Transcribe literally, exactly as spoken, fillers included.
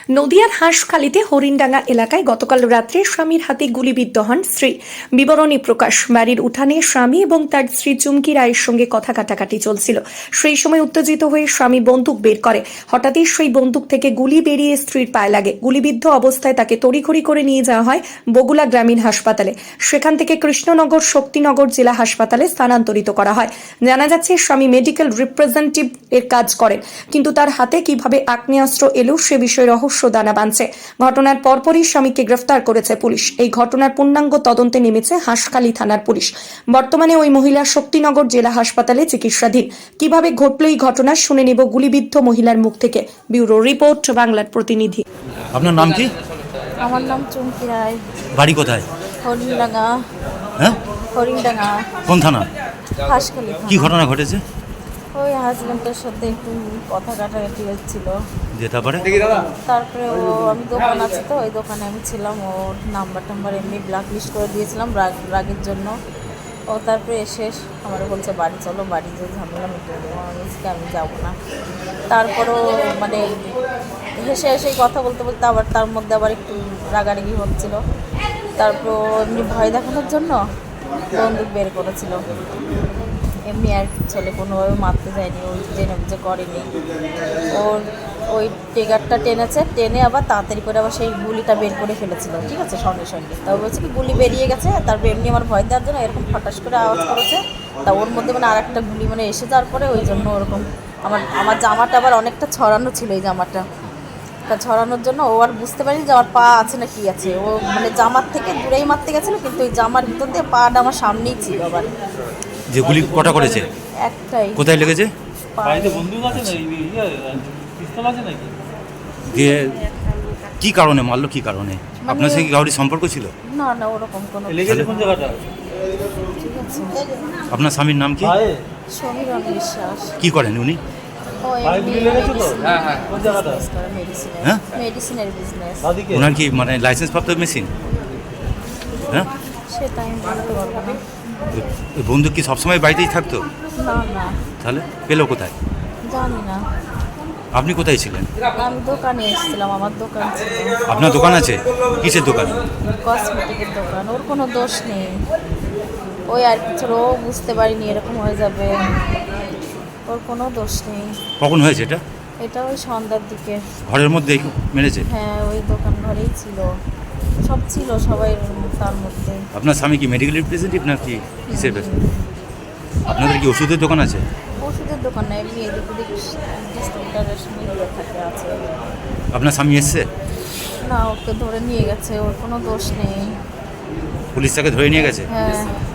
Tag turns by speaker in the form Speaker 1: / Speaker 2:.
Speaker 1: নদিয়ার হাঁসখালিতে হরিণডাঙ্গা এলাকায় গতকাল রাত্রে স্বামীর হাতে গুলিবিদ্ধ হন স্ত্রী। বিবরণী প্রকাশ, বাড়ির উঠানে স্বামী এবং তার স্ত্রী চুমকি রায়ের সঙ্গে কথা কাটাকাটি চলছিল। সেই সময় উত্তেজিত হয়ে স্বামী বন্দুক বের করে। হঠাৎই সেই বন্দুক থেকে গুলি বেরিয়ে স্ত্রীর পায়ে লাগে। গুলিবিদ্ধ অবস্থায় তাকে তড়িঘড়ি করে নিয়ে যাওয়া হয় বগুলা গ্রামীণ হাসপাতালে। সেখান থেকে কৃষ্ণনগর শক্তিনগর জেলা হাসপাতালে স্থানান্তরিত করা হয়। জানা যাচ্ছে স্বামী মেডিকেল রিপ্রেজেন্টেটিভ এর কাজ করেন, কিন্তু তার হাতে কিভাবে আগ্নেয়াস্ত্র এলো সে বিষয়ে রহস্য দানা বাঁধছে। ঘটনার পরপরই স্বামীকে গ্রেফতার করেছে পুলিশ। এই ঘটনার পূর্ণাঙ্গ তদন্তে নেমেছে হাঁসখালি থানার পুলিশ। বর্তমানে ওই মহিলা শক্তিনগর জেলা হাসপাতালে চিকিৎসাধীন। কিভাবে ঘটল এই ঘটনা শুনে নেব গুলিবিদ্ধ মহিলার মুখ থেকে। ব্যুরো রিপোর্ট, বাংলার প্রতিনিধি।
Speaker 2: আপনার নাম কি?
Speaker 3: আমার নাম চুমকি রায়।
Speaker 2: বাড়ি কোথায়?
Speaker 3: হরিণডাঙ্গা।
Speaker 2: হ্যাঁ,
Speaker 3: হরিণডাঙ্গা।
Speaker 2: কোন থানা?
Speaker 3: হাঁসখালি।
Speaker 2: কি ঘটনা ঘটেছে?
Speaker 3: ওই হাজব্যান্ডের সাথে একটু কথা কাটাকাটি হচ্ছিল।
Speaker 2: যে তারপরে
Speaker 3: তারপরে ও আমি দোকান আছে তো ওই দোকানে আমি ছিলাম, ওর নাম্বার টাম্বার এমনি ব্ল্যাক লিস্ট করে দিয়েছিলাম রাগ রাগের জন্য। ও তারপরে এসে আমার বলছে বাড়ি চলো, বাড়ি যে ঝামেলা মিটে দেবো। আমি বলছি আমি যাবো না। তারপরও মানে হেসে হেসে কথা বলতে বলতে আবার তার মধ্যে আবার একটু রাগারাগি হচ্ছিল। তারপর এমনি ভয় দেখানোর জন্য বন্দুক বের করেছিল। এমনি আর চলে কোনোভাবে মারতে যায়নি, ওই জেনে বুঝে করেনি। ওর ওই ট্রিগারটা টেনেছে, টেনে আবার তাড়াতাড়ি করে আবার সেই গুলিটা বের করে ফেলেছিল, ঠিক আছে, সঙ্গে সঙ্গে। তারপর বলছে কি গুলি বেরিয়ে গেছে। তারপর এমনি আমার ভয় দেওয়ার জন্য এরকম ফটাস করে আওয়াজ করেছে। তা ওর মধ্যে মানে আর একটা গুলি মানে এসে যাওয়ার পরে ওই জন্য ওরকম আমার আমার জামাটা আবার অনেকটা ছড়ানো ছিল, এই জামাটা তা ছড়ানোর জন্য ও আর বুঝতে পারিনি যে আমার পা আছে না কি আছে। ও মানে জামার থেকে দূরেই মারতে গেছিলো, কিন্তু ওই জামার ভিতর দিয়ে পাটা আমার সামনেই ছিল। আবার
Speaker 2: যে গুলি কটা করেছে?
Speaker 3: একটাই।
Speaker 2: কোথায় লেগেছে?
Speaker 4: বাড়িতে বন্দুক আছে না, পিস্তল আছে নাকি?
Speaker 2: দিয়ে কি কারণে মারলো? কি কারণে? আপনার সাথে কি কারোর সম্পর্ক ছিল?
Speaker 3: না না, ওরকম কোনো
Speaker 4: লেগেছে কোন জায়গাটা?
Speaker 3: ঠিক আছে।
Speaker 2: আপনার স্বামীর নাম কি?
Speaker 3: সমীরণ বিশ্বাস।
Speaker 2: কি করেন উনি?
Speaker 3: ও
Speaker 4: ভাই গুলি লেগেছে তো? হ্যাঁ হ্যাঁ। কোন জায়গাটা?
Speaker 3: মেডিসিনের
Speaker 2: হ্যাঁ?
Speaker 3: মেডিসিনের বিজনেস।
Speaker 4: বাদিকে?
Speaker 2: ওনার কি মানে লাইসেন্স প্রাপ্ত মেশিন? হ্যাঁ,
Speaker 3: সেটা আমি বলতে পারবো না।
Speaker 2: ওই বন্দুক কি সবসময় বাড়িতেই থাকতো?
Speaker 3: না না,
Speaker 2: তাহলে পেলো কোথায়?
Speaker 3: জানি না।
Speaker 2: আপনি কোথায় ছিলেন?
Speaker 3: আমি দোকানে এসেছিলাম, আমার দোকান ছিল।
Speaker 2: আপনার দোকান আছে? কিসের দোকান?
Speaker 3: কসমেটিকের দোকান। ওর কোনো দোষ নেই, ওই আর কিছু ও বুঝতে পারিনি এরকম হয়ে যাবে। ওর কোনো দোষ নেই।
Speaker 2: কখন হয়েছে এটা?
Speaker 3: এটা ওই সন্ধ্যার দিকে।
Speaker 2: ঘরের মধ্যে মেরেছে?
Speaker 3: হ্যাঁ, ওই দোকান ঘরেই ছিল, সব ছিল সবাই তার মধ্যে।
Speaker 2: আপনার স্বামী কি মেডিকেল রিপ্রেজেন্টেটিভ নাকি কিসের ব্যবসা? আপনাদের কি ওষুধের দোকান আছে?
Speaker 3: ওষুধের দোকান না, এমনি এদিক ওদিক ডিস্ট্রিবিউটারের মিলিয়ে থাকে আছে।
Speaker 2: আপনার স্বামী এসছে?
Speaker 3: না, ওকে ধরে নিয়ে গেছে, ওর কোনো দোষ নেই।
Speaker 2: পুলিশ তাকে ধরে নিয়ে গেছে?
Speaker 3: হ্যাঁ।